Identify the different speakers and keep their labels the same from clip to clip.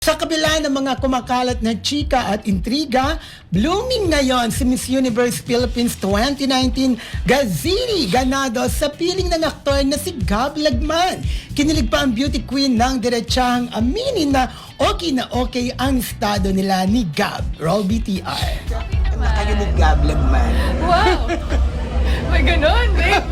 Speaker 1: Sa kabila ng mga kumakalat na chika at intriga, blooming ngayon si Miss Universe Philippines 2019 Gazini Ganado sa piling ng aktor na si Gab Lagman. Kinilig pa ang beauty queen ng diretsahang aminin na okay ang estado nila ni Gab. Roll BTR.
Speaker 2: Ano kayo ni Gab Lagman?
Speaker 3: Wow! May ganun, babe.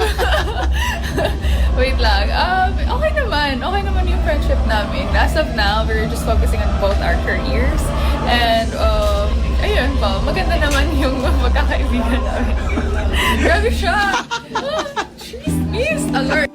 Speaker 3: Wait lang. Okay naman yung friendship namin. As of now, we're just focusing on both our careers. And, ayun po, maganda naman yung magkakaibigan namin. Grabe siya! Miss alert!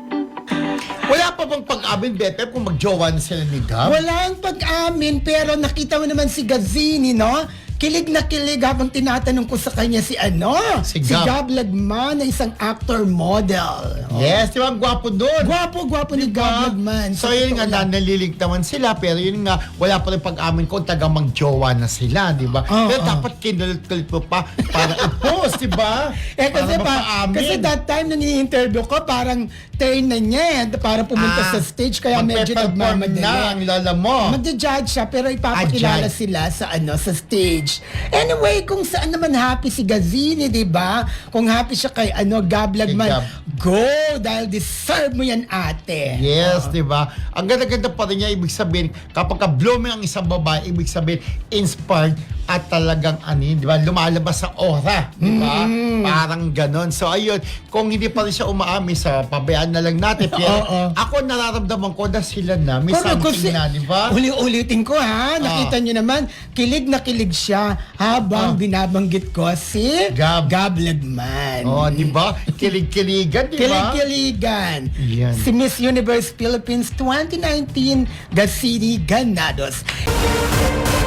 Speaker 4: Wala pa bang pag-amin, Bete, kung mag-jowa na sila ni Gab?
Speaker 1: Walang pag-amin pero nakita mo naman si Gazini, no? Kilig na kilig habang tinatanong ko sa kanya si
Speaker 4: Si Gab.
Speaker 1: Gab Lagman na isang actor model.
Speaker 4: Yes, di ba? Ang gwapo doon.
Speaker 1: Gwapo ni Gab Lagman.
Speaker 4: So yun nga, nalilig naman sila, pero yun nga, wala pa rin pag-amin kung taga mag-jowa na sila, di ba? Pero dapat kinulit-kulit mo pa para i-post, di ba?
Speaker 1: Kasi
Speaker 4: mapaamin.
Speaker 1: that time na ni-interview ko, parang turn na niya para pumunta sa stage, kaya medyo
Speaker 4: magpe-perform
Speaker 1: nagmamadali.
Speaker 4: na ang lala mo.
Speaker 1: Magja-judge siya pero ipapakilala
Speaker 4: Judge.
Speaker 1: sila sa sa stage. Anyway, kung saan naman happy si Gazini, 'di ba? Kung happy siya kay Gab Lagman,
Speaker 4: Gab.
Speaker 1: go dahil deserve mo 'yan, ate.
Speaker 4: Yes, di ba? Ang ganda-ganda pa rin niya, ibig sabihin, kapag ka-blooming ang isang babae, ibig sabihin, inspired at talagang di ba, lumalabas sa aura, di ba? Parang ganon. So, ayun, kung hindi pa rin siya umaami sa pabayaan na lang natin, pero ako nararamdaman ko na sila na, may something na, di ba?
Speaker 1: Uli-ulitin ko ha, nakita niyo naman, kilig na kilig siya habang binabanggit ko si
Speaker 4: Gab.
Speaker 1: Lagman.
Speaker 4: Oh, di ba? Kilig-kiligan, di ba?
Speaker 1: Kilig-kiligan.
Speaker 4: Yan.
Speaker 1: Si Miss Universe Philippines 2019 Gazini Ganados.